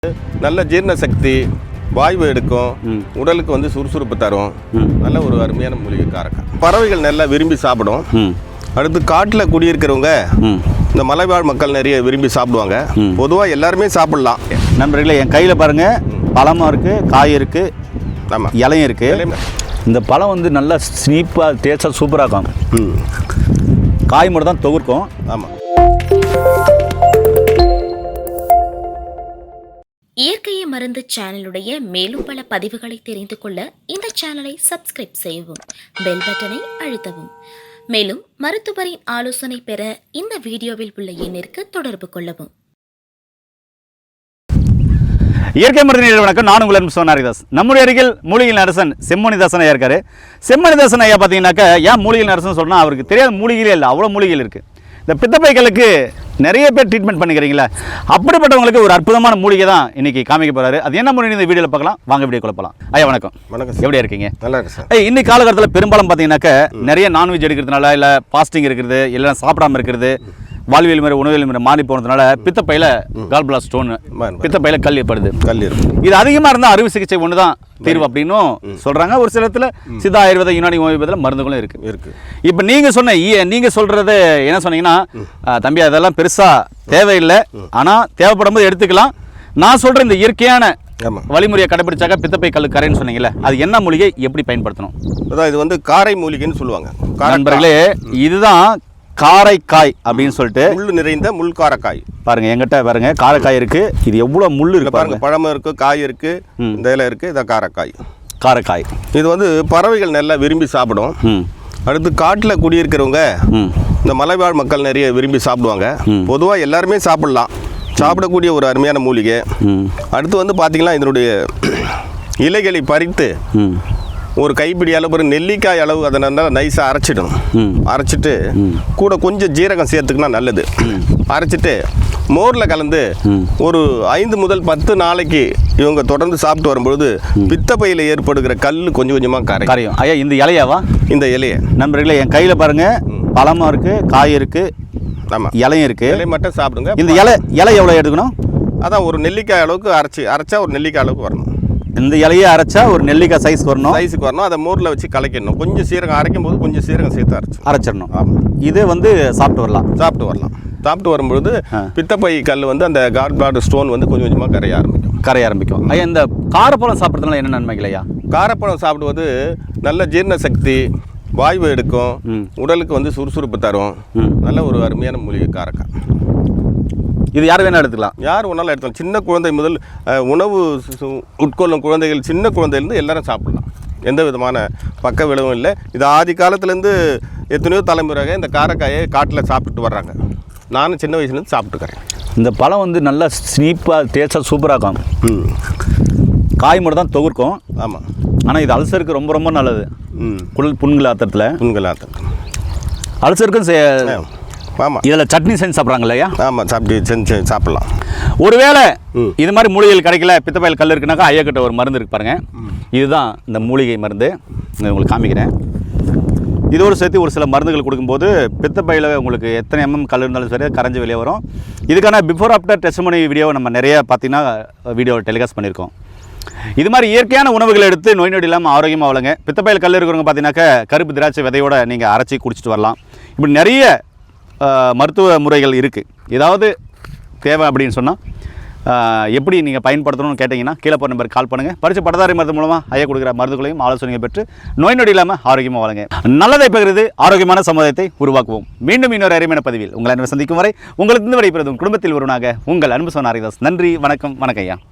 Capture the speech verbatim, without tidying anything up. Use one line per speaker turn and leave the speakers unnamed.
நல்ல ஜீரண சக்தி, வாய்வு எடுக்கும், உடலுக்கு வந்து சுறுசுறுப்பு தரும். நல்ல ஒரு அருமையான மூலிகை காரக்காய். பறவைகள் நல்லா விரும்பி சாப்பிடும். அடுத்து காட்டில் குடியிருக்கிறவங்க இந்த மலைவாழ் மக்கள் நிறைய விரும்பி சாப்பிடுவாங்க. பொதுவாக எல்லாருமே சாப்பிடலாம்.
நண்பர்களே, என் கையில் பாருங்கள், பழமும் இருக்குது, காய் இருக்குது, ஆமாம், இலையும் இருக்குது. இந்த பழம் வந்து நல்லா ஸ்னீப்பாக டேஸ்ட்டாக சூப்பராக இருக்கும். காய் மட்டும் தான் தொகுக்கும்.
ஆமாம்.
இயற்கையை மருந்து சேனலுடைய மேலும் பல பதிவுகளை தெரிந்து கொள்ள இந்த சேனலை சப்ஸ்கிரைப் செய்யவும், பெல் பட்டனை அழுத்தவும். மேலும் மருத்துவரின் ஆலோசனை பெற இந்த வீடியோவில் உள்ள எண்ணிற்கு தொடர்பு கொள்ளவும்.
இயற்கை மருந்து வணக்கம். நான் உங்கள் சோனாரிதாஸ். நம்முடைய அருகில் மூலிகை அரசன் செம்மணிதாசன் ஐயா இருக்காரு. செம்மணிதாசன் ஐயா பார்த்தீங்கன்னாக்கா, ஏன் மூலிகை அரசன் சொன்னால் அவருக்கு தெரியாத மூலிகைகளே இல்லை, அவ்வளோ மூலிகைகள் இருக்குது. இந்த பித்தப்பைகளுக்கு நிறைய பேர் ட்ரீட்மெண்ட் பண்ணிக்கிறீங்களா, அப்படிப்பட்டவங்களுக்கு ஒரு அற்புதமான மூலிகை தான் இன்றைக்கி காமிக்க போகிறாரு. அது என்ன மூலிகை இந்த வீடியோவில் பார்க்கலாம். வாங்க வீடியோ குழப்பலாம். ஐயா வணக்கம்.
வணக்கம்.
எப்படி இருக்கீங்க? நல்லா இருக்கு
சார்.
ஐயா, இன்னைக்கு காலகட்டத்தில் பெரும்பாலும் பார்த்தீங்கன்னாக்கா நிறைய நான்வெஜ் எடுக்கிறதுனால, இல்லை ஃபாஸ்டிங் இருக்கிறது, இல்லை சாப்பிடாமல் இருக்கிறது, வாழ்வியல் முறை உணவியல் முறை மாறி போனதுனால பித்தப்பையில் கால்பிளா ஸ்டோன், பித்தப்பையில கல் ஏற்படுது. கல் இருக்கும். இது அதிகமாக இருந்தால் அறுவை சிகிச்சை ஒன்று தான் தீர்வு அப்படின்னும் சொல்கிறாங்க. ஒரு சில இடத்துல சித்தா ஆயுர்வேத யுனானி ஹோமியோபதியில் மருந்துகளும் இருக்குது இருக்குது இப்போ நீங்கள் சொன்ன நீங்கள் சொல்கிறது என்ன சொன்னீங்கன்னா, தம்பி அதெல்லாம் பெருசாக தேவையில்லை, ஆனால் தேவைப்படும் போது எடுத்துக்கலாம். நான் சொல்கிற இந்த இயற்கையான வழிமுறையை கடைபிடிச்சாக்க பித்தப்பை கல் கரைன்னு சொன்னீங்கல்ல, அது என்ன மூலிகை, எப்படி பயன்படுத்தணும்?
அதான் இது வந்து காரை மூலிகைன்னு சொல்லுவாங்க.
நண்பர்களே, இதுதான் காரைக்காய் அப்படின்னு சொல்லிட்டு
முள் நிறைந்த முள் காரக்காய்.
பாருங்க, எங்கிட்ட பாருங்க காரைக்காய் இருக்கு. இது எவ்வளவு முள் இருக்கு பாருங்க.
பழமும் இருக்கு, காய் இருக்கு, இந்த இலை இருக்கு. இதான் காரைக்காய்.
காரைக்காய்
இது வந்து பறவைகள் நல்லா விரும்பி சாப்பிடும். அடுத்து காட்டில் குடியிருக்கிறவங்க இந்த மலைவாழ் மக்கள் நிறைய விரும்பி சாப்பிடுவாங்க. பொதுவாக எல்லாருமே சாப்பிடலாம், சாப்பிடக்கூடிய ஒரு அருமையான மூலிகை. அடுத்து வந்து பார்த்தீங்கன்னா, இதனுடைய இலைகளை பறித்து ஒரு கைப்பிடி அளவு, ஒரு நெல்லிக்காய் அளவு அதை நல்லா நைஸாக அரைச்சிடணும். அரைச்சிட்டு கூட கொஞ்சம் ஜீரகம் சேர்த்துக்கினா நல்லது. அரைச்சிட்டு மோரில் கலந்து ஒரு ஐந்து முதல் பத்து நாளைக்கு இவங்க தொடர்ந்து சாப்பிட்டு வரும்பொழுது பித்தப்பையில் ஏற்படுகிற கல் கொஞ்சம் கொஞ்சமாக கரை
கரையும். ஐயா, இந்த இலையாவா? இந்த
இலையை
நண்பர்களே, என் கையில் பாருங்கள், பழமும் இருக்குது, காய் இருக்குது, ஆமாம், இலையும் இருக்குது.
இலை மட்டும் சாப்பிடுங்க.
இந்த இலை இலை எவ்வளோ எடுக்கணும்?
அதான் ஒரு நெல்லிக்காய் அளவுக்கு அரைச்சி அரைச்சா ஒரு நெல்லிக்காய் அளவுக்கு வரணும்.
இந்த இலையை அரைச்சா ஒரு நெல்லிக்காய் சைஸ் வரணும்.
சைஸுக்கு வரணும். அதை மோரில் வச்சு கலக்கிடணும். கொஞ்சம் சீரகம் அரைக்கும் போது கொஞ்சம் சீரகம் சேர்த்து அரைச்சி அரைச்சிடணும். ஆமாம்.
இது வந்து சாப்பிட்டு வரலாம்.
சாப்பிட்டு வரலாம். சாப்பிட்டு வரும்பொழுது பித்தப்பை கல் வந்து அந்த கால் பிளாடர் ஸ்டோன் வந்து கொஞ்சம் கொஞ்சமாக கரைய ஆரம்பிக்கும்.
கரைய ஆரம்பிக்கும். ஐயா, இந்த காரப்பழம் சாப்பிட்றதுனால என்ன நன்மைகள் ஐயா?
காரப்பழம் சாப்பிடுவது நல்ல ஜீரண சக்தி, வாய்வு எடுக்கும், உடலுக்கு வந்து சுறுசுறுப்பு தரும். நல்ல ஒரு அருமையான மூலிகை காரக்காய்.
இது யார் வேணால் எடுத்துக்கலாம்.
யார் வேணாலும் எடுத்துக்கலாம். சின்ன குழந்தை முதல் உணவு உட்கொள்ளும் குழந்தைகள், சின்ன குழந்தைலேருந்து எல்லாரும் சாப்பிடலாம். எந்த விதமான பக்க விளைவும் இல்லை. இது ஆதி காலத்துலேருந்து எத்தனையோ தலைமுறையாக இந்த காரக்காயை காட்டில் சாப்பிட்டுட்டு வர்றாங்க. நானும் சின்ன வயசுலேருந்து சாப்பிட்டுக்கிறேன்.
இந்த பழம் வந்து நல்லா ஸ்னீப்பாக டேஸ்ட்டாக சூப்பராக இருக்கும். காய் மட்டும் தான் தொகுக்கும்.
ஆமாம். ஆனால்
இது அல்சருக்கு ரொம்ப ரொம்ப நல்லது. குடல் புண்கள் ஆத்திரத்தில்
புண்கள் ஆத்திரத்தில்
அல்சருக்கும் சே
ஆமாம்.
இதில் சட்னி செஞ்சு சாப்பிட்றாங்க இல்லையா?
ஆமாம், சாப்பிட்டு செஞ்சு இது
ஒருவேளை இது மாதிரி மூலிகைகள் கிடைக்கல, பித்தப்பையில் கல் இருக்குனாக்கா ஐயா கிட்ட ஒரு மருந்து இருக்கு பாருங்கள். இதுதான் இந்த மூலிகை மருந்து. உங்களுக்கு காமிக்கிறேன். இதோடு சேர்த்து ஒரு சில மருந்துகள் கொடுக்கும்போது பித்தப்பையில் உங்களுக்கு எத்தனை எம்எம் கல் இருந்தாலும் சரி கரைஞ்சி வெளியே வரும். இதுக்கான பிஃபோர் ஆஃப்டர் டெஸ்டிமோனி வீடியோவை நம்ம நிறைய பார்த்தீங்கன்னா வீடியோ டெலிகாஸ்ட் பண்ணியிருக்கோம். இது மாதிரி இயற்கையான உணவுகளை எடுத்து நோய் நொடி இல்லாமல் ஆரோக்கியமாக வளங்க. பித்தப்பையில் கல் இருக்கிறவங்க பார்த்தீங்கன்னாக்கா கருப்பு திராட்சை விதையோடு நீங்கள் அரைச்சி குடிச்சிட்டு வரலாம். இப்படி நிறைய மருத்துவ முறைகள் இருக்குது. ஏதாவது தேவை அப்படின்னு சொன்னால் எப்படி நீங்கள் பயன்படுத்தணும்னு கேட்டிங்கன்னா கீழே போகிற நம்பருக்கு கால் பண்ணுங்கள். பரிசு பட்டதாரி மருந்து மூலமாக ஐயா கொடுக்குற மருந்துகளையும் ஆலோசனையை பெற்று நோய் நொடி இல்லாமல் ஆரோக்கியமாக வளங்க. நல்லதை பகிர்ந்து ஆரோக்கியமான சமுதாயத்தை உருவாக்குவோம். மீண்டும் இன்னொரு அருமையான பதிவில் உங்களை அன்பு சந்திக்கும் வரை உங்களுக்கு விடைபெறும் குடும்பத்தில் ஒருவனாக உங்கள் அன்பு சோனாரிதாஸ். நன்றி, வணக்கம். வணக்கம் ஐயா.